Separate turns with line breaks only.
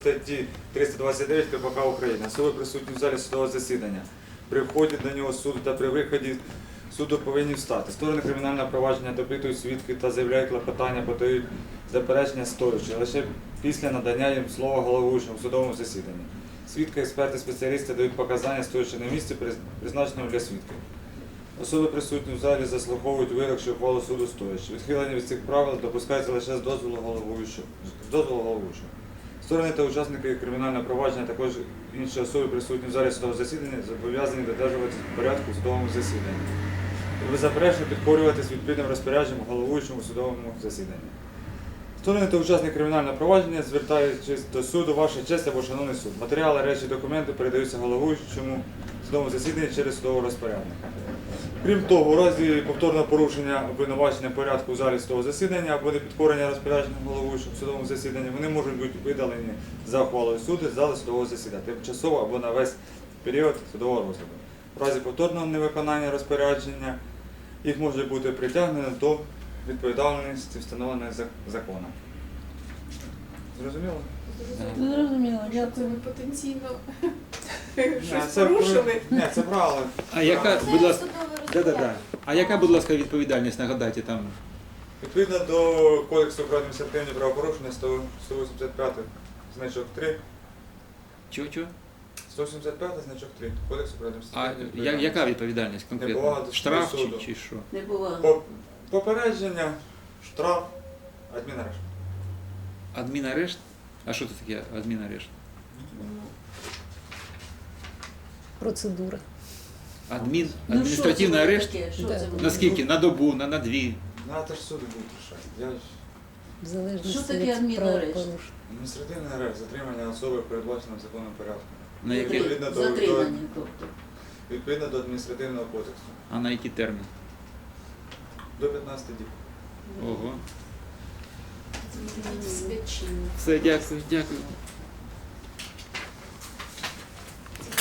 Статті 329 КПК України. Особи присутні в залі судового засідання. При вході до нього суду та при виході суду повинні встати. Сторони кримінального провадження допитують свідки та заявляють клопотання, подають заперечення стоячи, лише після надання їм слова головуючому в судовому засіданні. Свідки, експерти, спеціалісти дають показання, стоячи на місці, призначеному для свідків. Особи присутні в залі заслуховують вирок чи ухвалу суду стоячи. Відхилення від цих правил допускається лише з дозволу головуючого. Сторони та учасники кримінального провадження, також інші особи присутні в залі судового засідання, зобов'язані додержуватися порядку в судовому засіданні. І беззаперечно підкорюватись відповідним розпорядженням головуючому у судовому засіданні. Сторони та учасники кримінального провадження, звертаючись до суду, ваша честь або шановний суд. Матеріали, речі, документи передаються головуючому в судовому засіданні через судового розпорядника. Крім того, у разі повторного порушення обвинувачення порядку в залі судового засідання або непідкорення розпорядженням головуючого в судовому засіданні, вони можуть бути видалені за ухвалою суду з зали судового засідання, тимчасово або на весь період судового розгляду. В разі повторного невиконання розпорядження їх може бути притягнено до відповідальності, встановленої законом. Зрозуміло?
Зрозуміло,
Що
дякую.
це ви потенційно щось
Це
порушили?
Ні, це правило.
А яка, будь ласка, А яка, будь ласка, відповідальність, нагадайте там?
Відповідно до Кодексу про адміністративні правопорушення 185 значок 3.
Чого?
185 значок 3. Кодексу про
А
адміністративні правопорушення.
яка відповідальність
Неповага
конкретно?
до
Штраф
суду.
чи що?
Не було.
Попередження, штраф, адмінарешт.
Адмінарешт? А що це таке адмінарешт?
Процедура.
Адміністративний арешт?
Да.
На скільки? На добу, на дві?
Ну, а це ж суди будуть рішати. Я ж...
В залежності
Що таке
від
адмінарешт?
правопорушень.
Адміністративний арешт, затримання особи передбаченим законом порядку.
На який?
Відповідно до,
Затримання, тобто.
відповідно до адміністративного кодексу.
А на який термін?
До 15 діб.
Ого.
Свідчення.
Все, дякую.